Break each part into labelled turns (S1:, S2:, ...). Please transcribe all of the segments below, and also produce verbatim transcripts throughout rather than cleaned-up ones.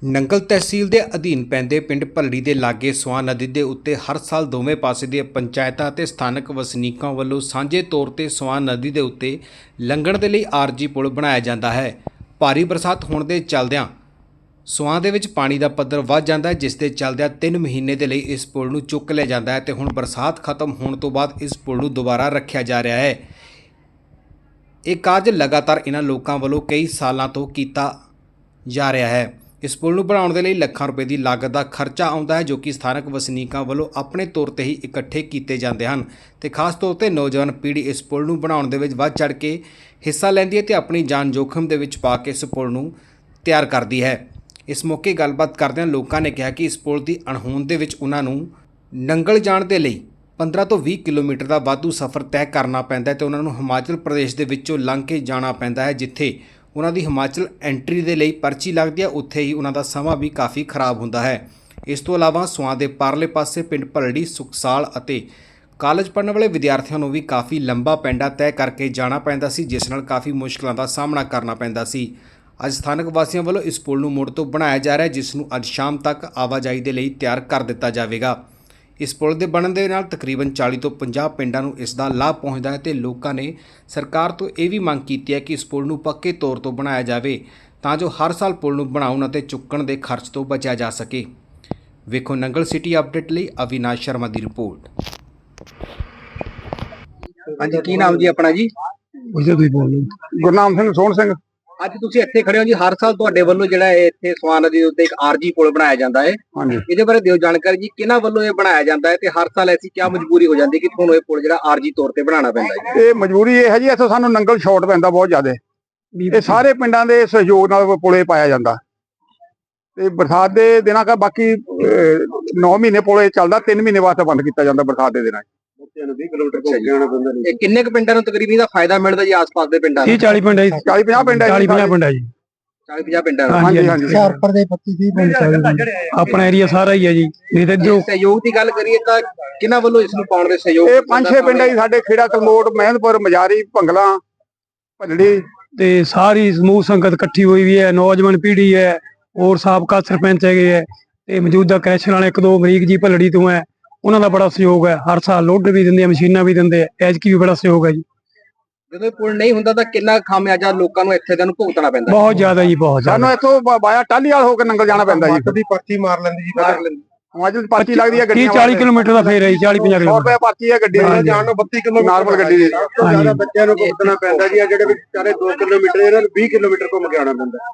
S1: ਨੰਗਲ ਤਹਿਸੀਲ ਦੇ ਅਧੀਨ ਪੈਂਦੇ ਪਿੰਡ ਭੱਲੜੀ ਦੇ ਲਾਗੇ ਸਵਾਂ ਨਦੀ ਦੇ ਉੱਤੇ ਹਰ ਸਾਲ ਦੋਵੇਂ ਪਾਸੇ ਦੀਆਂ ਪੰਚਾਇਤਾਂ ਅਤੇ ਸਥਾਨਕ ਵਸਨੀਕਾਂ ਵੱਲੋਂ ਸਾਂਝੇ ਤੌਰ ਤੇ ਸਵਾਂ ਨਦੀ ਦੇ ਉੱਤੇ ਲੰਘਣ ਦੇ ਲਈ ਆਰਜੀ ਪੁਲ ਬਣਾਇਆ ਜਾਂਦਾ ਹੈ। ਭਾਰੀ ਬਰਸਾਤ ਹੋਣ ਦੇ ਚੱਲਦਿਆਂ ਸਵਾਂ ਦੇ ਵਿੱਚ ਪਾਣੀ ਦਾ ਪੱਧਰ ਵੱਧ ਜਾਂਦਾ ਹੈ, ਜਿਸ ਦੇ ਚੱਲਦਿਆਂ ਤਿੰਨ ਮਹੀਨੇ ਦੇ ਲਈ ਇਸ ਪੁਲ ਨੂੰ ਚੁੱਕ ਲਿਆ ਜਾਂਦਾ ਹੈ ਤੇ ਹੁਣ ਬਰਸਾਤ ਖਤਮ ਹੋਣ ਤੋਂ ਬਾਅਦ ਇਸ ਪੁਲ ਨੂੰ ਦੁਬਾਰਾ ਰੱਖਿਆ ਜਾ ਰਿਹਾ ਹੈ। ਇਹ ਕਾਰਜ ਲਗਾਤਾਰ ਇਹਨਾਂ ਲੋਕਾਂ ਵੱਲੋਂ ਕਈ ਸਾਲਾਂ ਤੋਂ ਕੀਤਾ ਜਾ ਰਿਹਾ ਹੈ। ਇਸ ਪੁਲ ਨੂੰ ਬਣਾਉਣ ਦੇ ਲਈ ਲੱਖਾਂ ਰੁਪਏ ਦੀ ਲਾਗਤ ਦਾ ਖਰਚਾ ਆਉਂਦਾ ਹੈ, ਜੋ ਕਿ ਸਥਾਨਕ ਵਸਨੀਕਾਂ ਵੱਲੋਂ ਆਪਣੇ ਤੌਰ ਤੇ ਹੀ ਇਕੱਠੇ ਕੀਤੇ ਜਾਂਦੇ ਹਨ ਤੇ ਖਾਸ ਤੌਰ ਤੇ ਨੌਜਵਾਨ ਪੀੜ੍ਹੀ ਇਸ ਪੁਲ ਨੂੰ ਬਣਾਉਣ ਦੇ ਵਿੱਚ ਵੱਧ ਚੜ੍ਹ ਕੇ ਹਿੱਸਾ ਲੈਂਦੀ ਹੈ ਤੇ ਆਪਣੀ ਜਾਨ ਜੋਖਮ ਦੇ ਵਿੱਚ ਪਾ ਕੇ ਇਸ ਪੁਲ ਨੂੰ ਤਿਆਰ ਕਰਦੀ ਹੈ। ਇਸ ਮੌਕੇ ਗੱਲਬਾਤ ਕਰਦਿਆਂ ਲੋਕਾਂ ਨੇ ਕਿਹਾ ਕਿ ਇਸ ਪੁਲ ਦੀ ਅਣਹੋਂਦ ਦੇ ਵਿੱਚ ਉਹਨਾਂ ਨੂੰ ਨੰਗਲ ਜਾਣ ਦੇ ਲਈ ਪੰਦਰਾਂ ਤੋਂ ਵੀਹ ਕਿਲੋਮੀਟਰ ਦਾ ਵਾਧੂ ਸਫ਼ਰ ਤੈਅ ਕਰਨਾ ਪੈਂਦਾ ਹੈ ਤੇ ਉਹਨਾਂ ਨੂੰ ਹਿਮਾਚਲ ਪ੍ਰਦੇਸ਼ ਦੇ ਵਿੱਚੋਂ ਲੰਘ ਕੇ ਜਾਣਾ ਪੈਂਦਾ ਹੈ, ਜਿੱਥੇ ਉਹਨਾਂ ਦੀ ਹਿਮਾਚਲ ਐਂਟਰੀ ਦੇ ਲਈ ਪਰਚੀ ਲੱਗਦੀ ਹੈ। ਉੱਥੇ ਹੀ ਉਹਨਾਂ ਦਾ ਸਮਾਂ ਵੀ ਕਾਫੀ ਖਰਾਬ ਹੁੰਦਾ ਹੈ। ਇਸ ਤੋਂ ਇਲਾਵਾ ਸਵਾਂ ਦੇ ਪਰਲੇ ਪਾਸੇ ਪਿੰਡ ਭੱਲੜੀ, ਸੁਖਸਾਲ ਅਤੇ ਕਾਲਜ ਪੜ੍ਹਨ ਵਾਲੇ ਵਿਦਿਆਰਥੀਆਂ ਨੂੰ ਵੀ ਕਾਫੀ ਲੰਬਾ ਪੈਂਡਾ ਤੈਅ ਕਰਕੇ ਜਾਣਾ ਪੈਂਦਾ ਸੀ, ਜਿਸ ਨਾਲ ਕਾਫੀ ਮੁਸ਼ਕਲਾਂ ਦਾ ਸਾਹਮਣਾ ਕਰਨਾ ਪੈਂਦਾ ਸੀ। ਅੱਜ ਸਥਾਨਕ ਵਾਸੀਆਂ ਵੱਲੋਂ ਇਸ ਪੁਲ ਨੂੰ ਮੁੜ ਤੋਂ ਬਣਾਇਆ ਜਾ ਰਿਹਾ ਹੈ, ਜਿਸ ਨੂੰ ਅੱਜ ਸ਼ਾਮ ਤੱਕ ਆਵਾਜਾਈ ਦੇ ਲਈ ਤਿਆਰ ਕਰ ਦਿੱਤਾ ਜਾਵੇਗਾ। ਇਸ ਪੁਲ ਦੇ ਬਣਨ ਦੇ ਨਾਲ ਤਕਰੀਬਨ ਚਾਲੀ ਤੋਂ ਪੰਜਾਹ ਪਿੰਡਾਂ ਨੂੰ ਇਸ ਦਾ ਲਾਭ ਪਹੁੰਚਦਾ ਹੈ ਤੇ ਲੋਕਾਂ ਨੇ ਸਰਕਾਰ ਤੋਂ ਇਹ ਵੀ ਮੰਗ ਕੀਤੀ ਹੈ ਕਿ ਇਸ ਪੁਲ ਨੂੰ ਪੱਕੇ ਤੌਰ ਤੋਂ ਬਣਾਇਆ ਜਾਵੇ, ਤਾਂ ਜੋ ਹਰ ਸਾਲ ਪੁਲ ਨੂੰ ਬਣਾਉਣ ਅਤੇ ਚੁੱਕਣ ਦੇ ਖਰਚ ਤੋਂ ਬਚਿਆ ਜਾ ਸਕੇ। ਵੇਖੋ ਨੰਗਲ ਸਿਟੀ ਅਪਡੇਟ ਲਈ ਅਵਿਨਾਸ਼ ਸ਼ਰਮਾ ਦੀ ਰਿਪੋਰਟ।
S2: ਹਾਂਜੀ, ਕੀ ਨਾਮ ਜੀ ਆਪਣਾ ਜੀ?
S3: ਗੁਰਨਾਮ ਸਿੰਘ, ਸੋਹਣ ਸਿੰਘ।
S2: ਅੱਜ ਤੁਸੀਂ ਇੱਥੇ ਖੜੇ ਹੋ ਜੀ। ਹਰ ਸਾਲ ਤੁਹਾਡੇ ਵੱਲੋਂ ਜਿਹੜਾ ਇਹ ਇੱਥੇ ਸਵਾਂ ਨਦੀ ਦੇ ਉੱਤੇ ਇੱਕ ਆਰਜੀ ਪੁਲ ਬਣਾਇਆ ਜਾਂਦਾ ਹੈ,
S3: ਹਾਂਜੀ,
S2: ਇਹਦੇ ਬਾਰੇ ਦਿਓ ਜਾਣਕਾਰੀ ਜੀ। ਕਿਹਨਾਂ ਵੱਲੋਂ ਇਹ ਬਣਾਇਆ ਜਾਂਦਾ ਹੈ ਤੇ ਹਰ ਸਾਲ ਐਸੀ ਕੀ ਮਜਬੂਰੀ ਹੋ ਜਾਂਦੀ ਕਿ ਤੁਹਾਨੂੰ ਇਹ ਪੁਲ ਜਿਹੜਾ ਆਰਜੀ ਤੌਰ ਤੇ ਬਣਾਉਣਾ ਪੈਂਦਾ ਹੈ?
S3: ਇਹ ਮਜਬੂਰੀ ਇਹ ਹੈ ਜੀ, ਇੱਥੋਂ ਸਾਨੂੰ ਨੰਗਲ ਸ਼ਾਰਟ ਪੈਂਦਾ ਬਹੁਤ ਜ਼ਿਆਦਾ। ਇਹ ਸਾਰੇ ਪਿੰਡਾਂ ਦੇ ਸਹਿਯੋਗ ਨਾਲ ਪੁਲੇ ਪਾਇਆ ਜਾਂਦਾ ਤੇ ਬਰਸਾਤ ਦੇ ਦਿਨਾਂ ਕਾ ਬਾਕੀ ਨੌ ਮਹੀਨੇ ਪੁਲੇ ਚੱਲਦਾ, ਤਿੰਨ ਮਹੀਨੇ ਵਾਸਤੇ ਬੰਦ ਕੀਤਾ ਜਾਂਦਾ ਬਰਸਾਤ ਦੇ ਦਿਨਾਂ।
S2: ਵੀਹ ਕਿਲੋਮੀਟਰ ਘੁੰਮ ਕੇ ਆਉਣਾ ਪੈਂਦਾ। ਇਹ ਕਿੰਨੇ ਕੁ ਪਿੰਡਾਂ ਨੂੰ ਤਕਰੀਬਨ ਇਹਦਾ ਫਾਇਦਾ ਮਿਲਦਾ ਜੀ? ਆਸ-ਪਾਸ ਦੇ ਪਿੰਡਾਂ ਨੂੰ
S3: ਚਾਲੀ ਪਿੰਡ ਹੈ, ਚਾਲੀ ਪੰਜਾਹ ਪਿੰਡ ਹੈ,
S4: ਚਾਲੀ ਪੰਜਾਹ ਪਿੰਡ ਹੈ ਜੀ।
S2: ਚਾਲੀ ਪੰਜਾਹ ਪਿੰਡਾਂ ਨੂੰ।
S3: ਹਾਂਜੀ ਹਾਂਜੀ,
S4: ਹੁਸ਼ਿਆਰਪੁਰ ਦੇ ਪੱਚੀ ਤੀਹ ਪਿੰਡ ਚੱਲਦੇ ਆਪਣਾ ਏਰੀਆ ਸਾਰਾ ਹੀ ਹੈ ਜੀ। ਨਹੀਂ ਤੇ ਜੋ
S2: ਸਹਿਯੋਗ ਦੀ ਗੱਲ ਕਰੀਏ ਤਾਂ ਕਿਹਨਾਂ ਵੱਲੋਂ ਇਸ ਨੂੰ ਪਾਉਣ ਦੇ ਸਹਿਯੋਗ?
S3: ਇਹ ਪੰਜ ਛੇ ਪਿੰਡ ਹੈ ਜੀ ਸਾਡੇ, ਖੇੜਾ, ਕਲਮੋਟ, ਮਹਿੰਦਪੁਰ, ਮਜਾਰੀ, ਭੰਗਲਾ, ਭੱਲੜੀ
S4: ਤੇ ਸਾਰੀ ਸਮੂਹ ਸੰਗਤ ਇਕੱਠੀ ਹੋਈ ਵੀ ਹੈ। ਨੌਜਵਾਨ ਪੀੜ੍ਹੀ ਹੈ, ਹੋਰ ਸਾਬਕਾ ਸਰਪੰਚ ਹੈਗੇ ਹੈ ਤੇ ਮੌਜੂਦਾ ਕ੍ਰੈਸ਼ਰ ਵਾਲੇ ਇੱਕ ਦੋ ਮਰੀਕ ਜੀ ਭੱਲੜੀ ਤੋਂ ਹੈ, ਉਹਨਾਂ ਦਾ ਬੜਾ ਸਹਿਯੋਗ ਹੈ। ਹਰ ਸਾਲ ਲੋਡ ਵੀ ਦਿੰਦੇ ਆ, ਮਸ਼ੀਨਾਂ ਵੀ ਦਿੰਦੇ ਆ, ਐਤਕੀ ਵੀ ਬੜਾ ਸਹਿਯੋਗ ਹੈ ਜੀ।
S2: ਜਦੋਂ ਪੁਲ ਨਹੀਂ ਹੁੰਦਾ ਤਾਂ ਕਿੰਨਾ ਖਾਮਿਆਜਾ ਲੋਕਾਂ ਨੂੰ ਇੱਥੇ ਦਾ ਨੂੰ ਭੁਗਤਣਾ ਪੈਂਦਾ?
S4: ਬਹੁਤ ਜ਼ਿਆਦਾ ਜੀ, ਬਹੁਤ ਜ਼ਿਆਦਾ।
S3: ਸਾਨੂੰ ਇੱਥੋਂ ਬਾਇਆ ਟਾਲੀ ਵਾਲ ਹੋ ਕੇ ਨੰਗਲ ਜਾਣਾ ਪੈਂਦਾ ਜੀ।
S2: ਕਦੀ ਪਰਚੀ ਮਾਰ ਲੈਂਦੀ ਜੀ, ਮਾਰ ਲੈਂਦੀ।
S3: ਹਿਮਾਚਲ ਪਰਚੀ ਲੱਗਦੀ ਹੈ ਗੱਡੀ
S4: ਤੀਹ ਚਾਲੀ ਕਿਲੋਮੀਟਰ ਦਾ ਫੇਰ ਹੈ ਜੀ, ਚਾਲੀ ਪੰਜਾਹ
S3: ਸੌ
S4: ਕਿਲੋਮੀਟਰ
S3: ਰੁਪਏ ਪਰਚੀ ਹੈ ਗੱਡੀ ਦੀ ਜਾਣ ਨੂੰ, ਬੱਤੀ ਕਿਲੋਮੀਟਰ ਨਾਰਮਲ ਗੱਡੀ ਦੀ।
S2: ਜ਼ਿਆਦਾ ਬੱਚਿਆਂ ਨੂੰ ਭੁਗਤਣਾ ਪੈਂਦਾ ਜੀ। ਆ ਜਿਹੜੇ ਵਿਚਾਰੇ ਦੋ ਕਿਲੋਮੀਟਰ ਇਹਨਾਂ ਨੂੰ ਵੀਹ ਕਿਲੋਮੀਟਰ ਘੁੰਮ ਕੇ ਆਉਣਾ ਪੈਂਦਾ।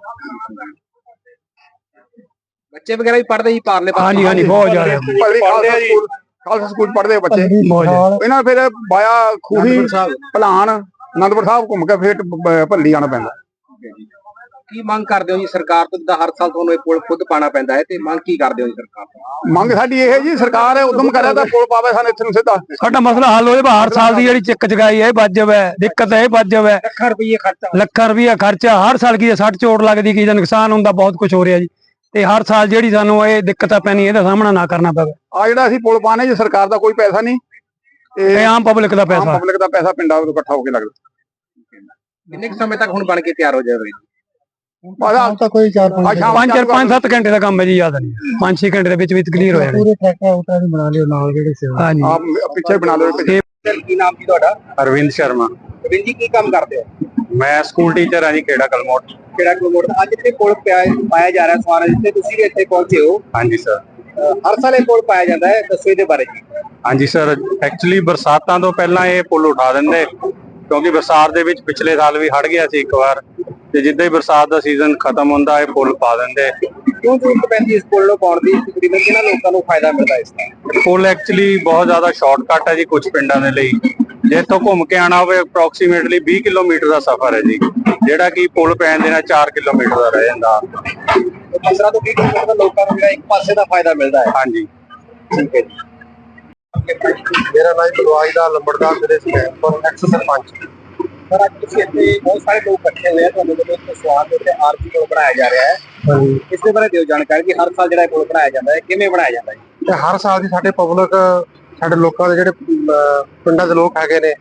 S2: ਬੱਚੇ ਵਗੈਰਾ ਵੀ ਪੜ੍ਹਦੇ ਜੀ ਪਾਰਲੇ ਪਾਸੇ?
S4: ਹਾਂਜੀ ਹਾਂਜੀ, ਬਹੁਤ ਜ਼ਿਆਦਾ।
S3: ਖਾਲਸਾ ਸਕੂਲ ਪੜ੍ਹਦੇ ਬੱਚੇ, ਇਹਨਾਂ ਫਿਰ ਬਾਇਆ ਖੂਹੀ, ਭਲਾਨ, ਅਨੰਦਪੁਰ ਸਾਹਿਬ ਘੁੰਮ ਕੇ ਫਿਰ ਭੱਲੀ ਆਉਣਾ ਪੈਂਦਾ।
S2: ਕੀ ਮੰਗ ਕਰਦੇ ਹੋ ਜੀ ਸਰਕਾਰ ਤੋਂ? ਜਿੱਦਾਂ ਹਰ ਸਾਲ ਤੁਹਾਨੂੰ ਇਹ ਪੁਲ ਖੁਦ ਪਾਣਾ ਪੈਂਦਾ ਹੈ, ਤੇ ਮੰਗ ਕੀ ਕਰਦੇ ਹੋ ਜੀ ਸਰਕਾਰ ਤੋਂ?
S3: ਮੰਗ ਸਾਡੀ ਇਹ ਹੈ ਜੀ, ਸਰਕਾਰ ਉਦਮ ਕਰੇ ਤਾਂ ਪੁਲ ਪਾਵੇ ਸਾਨੂੰ ਇੱਥੇ ਨੂੰ ਸਿੱਧਾ।
S4: ਸਾਡਾ ਮਸਲਾ ਹੱਲ ਹੋ ਜਾਵੇ। ਹਰ ਸਾਲ ਦੀ ਜਿਹੜੀ ਚੱਕ ਚਗਾਈ ਹੈ ਇਹ ਵੱਜ ਜਾਵੇ, ਦਿੱਕਤ ਹੈ ਇਹ ਵੱਜ ਜਾਵੇ।
S2: ਲੱਖਾਂ ਰੁਪਏ ਖਰਚਾ,
S4: ਲੱਖਾਂ ਰੁਪਈਆ ਖਰਚਾ ਹਰ ਸਾਲ। ਕੀ ਸੱਟ ਚੋਟ ਲੱਗਦੀ, ਕੀ ਦਾ ਨੁਕਸਾਨ ਹੁੰਦਾ, ਬਹੁਤ ਕੁਝ ਹੋ ਰਿਹਾ ਜੀ। ਤੇ ਹਰ ਸਾਲ ਜਿਹੜੀ ਸਾਨੂੰ ਇਹ ਦਿੱਕਤਾਂ ਪੈਣੀ, ਇਹਦਾ ਸਾਹਮਣਾ ਨਾ ਕਰਨਾ ਪਵੇ।
S3: ਆ ਜਿਹੜਾ ਅਸੀਂ ਪੁਲ ਪਾਣੇ ਜੀ, ਸਰਕਾਰ ਦਾ ਕੋਈ ਪੈਸਾ ਨਹੀਂ,
S4: ਇਹ ਆਮ ਪਬਲਿਕ ਦਾ ਪੈਸਾ,
S3: ਪਬਲਿਕ ਦਾ ਪੈਸਾ ਪਿੰਡਾਂ ਤੋਂ ਇਕੱਠਾ ਹੋ ਕੇ ਲੱਗਦਾ।
S2: ਕਿੰਨੇ ਕੁ ਸਮੇਂ ਤੱਕ ਹੁਣ ਬਣ ਕੇ ਤਿਆਰ ਹੋ ਜਾਵੇ?
S4: ਤਾਂ ਕੋਈ ਚਾਰ ਪੰਜ ਪੰਜ ਸੱਤ ਘੰਟੇ ਦਾ ਕੰਮ ਹੈ ਜੀ, ਯਾਦ ਨਹੀਂ। ਪੰਜ ਛੇ ਘੰਟੇ ਦੇ ਵਿੱਚ ਵਿੱਚ ਕਲੀਅਰ ਹੋ ਜਾਣਾ।
S3: ਪੂਰੇ ਟਰੈਕਟਰ ਉਟਾ ਵੀ ਬਣਾ ਲਿਓ ਨਾਲ ਜਿਹੜੇ ਸੇਵਾ।
S4: ਹਾਂਜੀ,
S3: ਆਪ ਪਿੱਛੇ ਬਣਾ ਲਓ।
S2: ਕੀ ਨਾਮ ਜੀ ਤੁਹਾਡਾ?
S5: ਅਰਵਿੰਦ ਸ਼ਰਮਾ।
S2: ਅਰਵਿੰਦ ਜੀ, ਕੀ ਕੰਮ ਕਰਦੇ ਹੋ?
S5: ਮੈਂ ਸਕੂਲ ਟੀਚਰ ਹਾਂ ਜੀ, ਖੇੜਾ ਕਲਮੋਟ।
S2: ਖੇੜਾ ਕਲਮੋਟ। ਅੱਜ ਇੱਥੇ ਪੁਲ ਪਾਇਆ ਜਾ ਰਿਹਾ ਸਵਾਰ, ਜਿੱਥੇ ਤੁਸੀਂ ਵੀ ਇੱਥੇ ਪਹੁੰਚੇ ਹੋ।
S5: ਹਾਂਜੀ ਸਰ।
S2: ਹਰ ਸਾਲ ਇਹ ਪੁਲ ਪਾਇਆ ਜਾਂਦਾ ਹੈ, ਦੱਸੋ ਇਹਦੇ ਬਾਰੇ ਜੀ।
S5: ਹਾਂਜੀ ਸਰ, ਐਕਚੁਅਲੀ ਬਰਸਾਤਾਂ ਤੋਂ ਪਹਿਲਾਂ ਇਹ ਪੁਲ ਉਠਾ ਦਿੰਦੇ, ਕਿਉਂਕਿ ਬਰਸਾਤ ਦੇ ਵਿੱਚ ਪਿਛਲੇ ਸਾਲ ਵੀ ਹੜ ਗਿਆ ਸੀ ਇੱਕ ਵਾਰ, ਤੇ ਜਿੱਦਾਂ ਹੀ ਬਰਸਾਤ ਦਾ ਸੀਜ਼ਨ ਖਤਮ ਹੁੰਦਾ ਇਹ ਪੁਲ ਪਾ ਦਿੰਦੇ।
S2: ਕਿਉਂ ਜ਼ਰੂਰਤ ਪੈਂਦੀ ਇਸ ਪੁਲ ਨੂੰ ਪਾਉਣ ਦੀ? ਤਕਰੀਬਨ ਕਿਹਨਾਂ ਲੋਕਾਂ ਨੂੰ ਫਾਇਦਾ ਮਿਲਦਾ ਇਸ ਦਾ?
S5: ਪੁਲ ਐਕਚੁਅਲੀ ਬਹੁਤ ਜ਼ਿਆਦਾ ਸ਼ਾਰਟਕਟ ਹੈ ਜੀ ਕੁਝ ਪਿੰਡਾਂ ਦੇ ਲਈ। ਜੇ ਇੱਥੋਂ ਘੁੰਮ ਕੇ ਆਉਣਾ ਹੋਵੇ ਅਪਰੋਕਸੀਮੇਟਲੀ ਵੀਹ ਕਿਲੋਮੀਟਰ ਦਾ ਸਫ਼ਰ ਹੈ ਜੀ, ਜਿਹੜਾ ਕਿ ਪੁਲ ਪੈਣ ਦੇ ਨਾਲ ਚਾਰ ਕਿਲੋਮੀਟਰ ਦਾ ਰਹਿ ਜਾਂਦਾ।
S2: ਪੰਦਰਾਂ ਤੋਂ ਵੀਹ ਕਿਲੋਮੀਟਰ ਦਾ ਲੋਕਾਂ ਨੂੰ ਜਿਹੜਾ ਇੱਕ ਪਾਸੇ ਦਾ ਫਾਇਦਾ ਮਿਲਦਾ ਹੈ।
S5: ਹਾਂਜੀ,
S2: ਠੀਕ ਹੈ ਜੀ।
S3: ਮੇਰਾ ਨਾਮ ਬਲਵਾਜ ਦਾ ਲੰਬੜਦਾਰ ਜ਼ਿਲ੍ਹੇ ਸਮੈਪੁਰ ਐਕਸ ਸਰਪੰਚ।
S2: ਸਰ, ਅੱਜ ਤੁਸੀਂ ਇੱਥੇ ਬਹੁਤ ਸਾਰੇ ਲੋਕ ਇਕੱਠੇ ਹੋਏ ਆ, ਤੁਹਾਨੂੰ ਵੱਲੋਂ ਇੱਕ ਸਵਾਲ ਦੇ ਉੱਤੇ ਆਰਜੀ ਪੁਲ ਬਣਾਇਆ ਜਾ ਰਿਹਾ ਹੈ। ਇਸ ਦੇ ਬਾਰੇ ਦਿਓ ਜਾਣਕਾਰੀ ਕਿ ਹਰ ਸਾਲ ਜਿਹੜਾ ਪੁਲ ਬਣਾਇਆ ਜਾਂਦਾ ਹੈ, ਕਿਵੇਂ ਬਣਾਇਆ ਜਾਂਦਾ ਹੈ?
S3: ਤੇ ਹਰ ਸਾਲ ਦੀ ਸਾਡੇ ਪਬਲਿਕ, ਸਾਡੇ ਲੋਕਾਂ ਦੇ ਜਿਹੜੇ ਪਿੰਡਾਂ ਦੇ ਲੋਕ ਹੈਗੇ ਨੇ,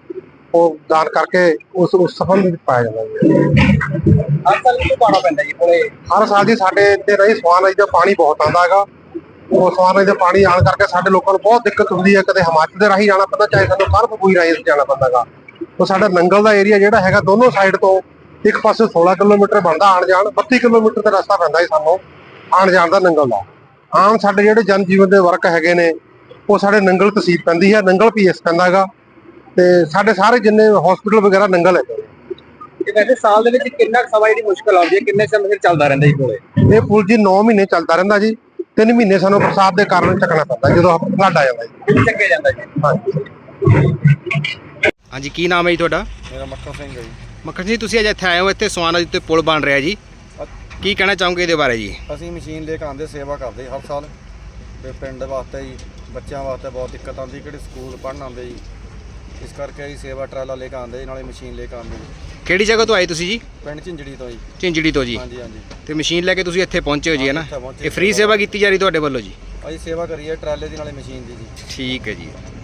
S6: ਉਹ ਦਾਨ ਕਰਕੇ ਉਸ ਉਸ ਸੰਬੰਧ ਵਿੱਚ ਪਾਇਆ ਜਾਂਦਾ ਜੀ।
S2: ਹਰ ਸਾਲ ਕਿਉਂ ਪਾਣਾ ਪੈਂਦਾ ਜੀ ਪੁਲੇ?
S6: ਹਰ ਸਾਲ ਜੀ ਸਾਡੇ ਇੱਥੇ ਰਹੀ ਸਵਾਨ ਨਦੀ ਦਾ ਪਾਣੀ ਬਹੁਤ ਆਉਂਦਾ ਹੈਗਾ। ਉਹ ਸਵਾਨ ਨਦੀ ਦਾ ਪਾਣੀ ਆਉਣ ਕਰਕੇ ਸਾਡੇ ਲੋਕਾਂ ਨੂੰ ਬਹੁਤ ਦਿੱਕਤ ਹੁੰਦੀ ਹੈ। ਕਦੇ ਹਿਮਾਚਲ ਦੇ ਰਾਹੀਂ ਜਾਣਾ ਪੈਂਦਾ, ਚਾਹੇ ਸਾਨੂੰ ਕਰਫਪੂਈ ਰਾਹੀਂ ਜਾਣਾ ਪੈਂਦਾ ਗਾ। ਉਹ ਸਾਡਾ ਨੰਗਲ ਦਾ ਏਰੀਆ ਜਿਹੜਾ ਹੈਗਾ ਦੋਨੋਂ ਸਾਈਡ ਤੋਂ ਇੱਕ ਪਾਸੇ ਸੋਲਾਂ ਕਿਲੋਮੀਟਰ ਬਣਦਾ ਆਣ ਜਾਣ, ਬੱਤੀ ਕਿਲੋਮੀਟਰ ਦਾ ਰਸਤਾ ਪੈਂਦਾ ਜੀ ਸਾਨੂੰ ਆਣ ਜਾਣ ਦਾ ਨੰਗਲ ਦਾ। ਆਮ ਸਾਡੇ ਜਿਹੜੇ ਜਨ ਜੀਵਨ ਦੇ ਵਰਕ ਹੈਗੇ ਨੇ ਉਹ ਸਾਡੇ ਨੰਗਲ ਤਹਿਸੀਲ ਪੈਂਦੀ ਹੈ, ਨੰਗਲ ਪੀਐਸ ਪੈਂਦਾ ਹੈਗਾ, ਤੇ ਸਾਡੇ ਸਾਰੇ ਜਿੰਨੇ ਹਸਪੀਟਲ ਵਗੈਰਾ ਨੰਗਲ ਹੈ।
S2: ਇਹ ਵੈਸੇ ਸਾਲ ਦੇ ਵਿੱਚ ਕਿੰਨਾ ਕੁ ਸਮਾਂ ਜਿਹੜੀ ਮੁਸ਼ਕਲ ਆਉਂਦੀ ਹੈ, ਕਿੰਨੇ ਸਮੇਂ ਤੱਕ ਚੱਲਦਾ ਰਹਿੰਦਾ ਜੀ ਪੁਲੇ?
S6: ਇਹ ਪੁਲ ਜੀ ਨੌ ਮਹੀਨੇ ਚੱਲਦਾ ਰਹਿੰਦਾ ਜੀ। ਤਿੰਨ ਮਹੀਨੇ ਸਾਨੂੰ ਬਰਸਾਤ ਦੇ ਕਾਰਨ ਚੱਕਣਾ ਪੈਂਦਾ ਜਦੋਂ ਫਲੱਡ ਆ ਜਾਂਦਾ ਜੀ।
S2: ਕਿੰਨੇ ਚੱਕੇ ਜਾਂਦਾ ਜੀ?
S6: ਹਾਂਜੀ।
S1: ਹਾਂਜੀ, ਕੀ ਨਾਮ ਹੈ ਜੀ ਤੁਹਾਡਾ?
S7: ਮੇਰਾ ਮੱਖਣ ਸਿੰਘ ਹੈ ਜੀ।
S1: ਮੱਖਣ ਜੀ, ਤੁਸੀਂ ਅੱਜ ਇੱਥੇ ਆਏ ਹੋ, ਇੱਥੇ ਸਵਾਨ ਨਦੀ ਉੱਤੇ ਪੁਲ ਬਣ ਰਿਹਾ ਜੀ, ਕੀ ਕਹਿਣਾ ਚਾਹੋਗੇ ਇਹਦੇ ਬਾਰੇ ਜੀ?
S7: ਅਸੀਂ ਮਸ਼ੀਨ ਲੈ ਕੇ ਆਉਂਦੇ, ਸੇਵਾ ਕਰਦੇ ਹਰ ਸਾਲ ਤੇ ਪਿੰਡ ਵਾਸਤੇ ਜੀ, ਬੱਚਿਆਂ ਵਾਸਤੇ ਬਹੁਤ ਦਿੱਕਤ ਆਉਂਦੀ, ਕਿਹੜੇ ਸਕੂਲ ਪੜ੍ਹਨ ਆਉਂਦੇ ਜੀ, ਇਸ ਕਰਕੇ ਅਸੀਂ ਸੇਵਾ ਟਰਾਲਾ ਲੈ ਕੇ ਆਉਂਦੇ, ਨਾਲੇ ਮਸ਼ੀਨ ਲੈ ਕੇ ਆਉਂਦੇ ਜੀ।
S1: ਕਿਹੜੀ ਜਗ੍ਹਾ ਤੋਂ ਆਏ ਤੁਸੀਂ ਜੀ?
S7: ਪਿੰਡ ਝਿੰਜੜੀ ਤੋਂ ਜੀ।
S1: ਝਿੰਜੜੀ ਤੋਂ ਜੀ।
S7: ਹਾਂਜੀ ਹਾਂਜੀ।
S1: ਤੇ ਮਸ਼ੀਨ ਲੈ ਕੇ ਤੁਸੀਂ ਇੱਥੇ ਪਹੁੰਚੇ ਹੋ ਜੀ, ਹੈ ਨਾ?
S7: ਇੱਥੇ ਪਹੁੰਚੇ,
S1: ਇਹ ਫ੍ਰੀ ਸੇਵਾ ਕੀਤੀ ਜਾ ਰਹੀ ਤੁਹਾਡੇ ਵੱਲੋਂ ਜੀ?
S7: ਅਸੀਂ ਸੇਵਾ ਕਰੀਏ ਟਰਾਲੇ ਦੀ ਨਾਲੇ ਮਸ਼ੀਨ ਦੀ ਜੀ।
S1: ਠੀਕ ਹੈ ਜੀ।